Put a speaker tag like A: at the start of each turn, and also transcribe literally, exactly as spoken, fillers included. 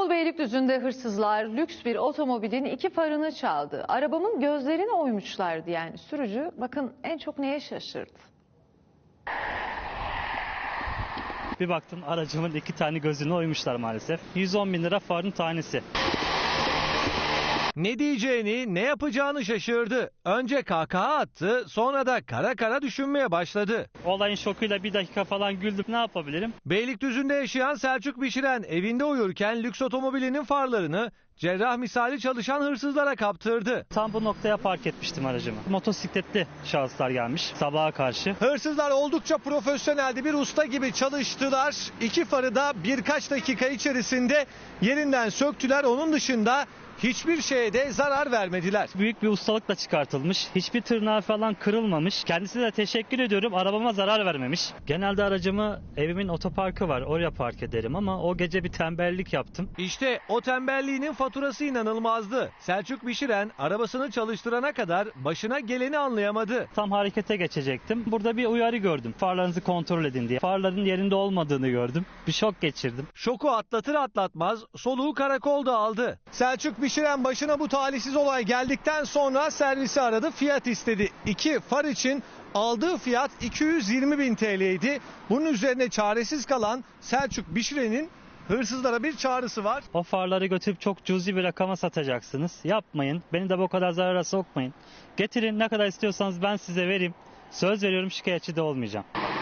A: İstanbul Beylikdüzü'nde hırsızlar lüks bir otomobilin iki farını çaldı. Arabamın gözlerini oymuşlar diyen sürücü bakın en çok neye şaşırdı.
B: Bir baktım aracımın iki tane gözünü oymuşlar maalesef. yüz on bin lira farın tanesi.
C: Ne diyeceğini, ne yapacağını şaşırdı. Önce kahkaha attı, sonra da kara kara düşünmeye başladı.
B: Olayın şokuyla bir dakika falan güldüm. Ne yapabilirim?
C: Beylikdüzü'nde yaşayan Selçuk Bişiren evinde uyurken lüks otomobilinin farlarını cerrah misali çalışan hırsızlara kaptırdı.
B: Tam bu noktaya park etmiştim aracımı. Motosikletli şahıslar gelmiş sabaha karşı.
C: Hırsızlar oldukça profesyoneldi, bir usta gibi çalıştılar. İki farı da birkaç dakika içerisinde yerinden söktüler. Onun dışında hiçbir şeye de zarar vermediler.
B: Büyük bir ustalıkla çıkartılmış. Hiçbir tırnağı falan kırılmamış. Kendisine de teşekkür ediyorum. Arabama zarar vermemiş. Genelde aracımı evimin otoparkı var. Oraya park ederim ama o gece bir tembellik yaptım.
C: İşte o tembelliğinin faturası inanılmazdı. Selçuk Bişiren arabasını çalıştırana kadar başına geleni anlayamadı.
B: Tam harekete geçecektim. Burada bir uyarı gördüm. Farlarınızı kontrol edin diye. Farların yerinde olmadığını gördüm. Bir şok geçirdim.
C: Şoku atlatır atlatmaz soluğu karakolda aldı. Selçuk Bişiren başına bu talihsiz olay geldikten sonra servisi aradı, fiyat istedi. İki far için aldığı fiyat iki yüz yirmi bin T L'ydi. Bunun üzerine çaresiz kalan Selçuk Bişiren'in hırsızlara bir çağrısı var.
B: O farları götürüp çok cüzi bir rakama satacaksınız. Yapmayın. Beni de bu kadar zarara sokmayın. Getirin, ne kadar istiyorsanız ben size vereyim. Söz veriyorum, şikayetçi de olmayacağım.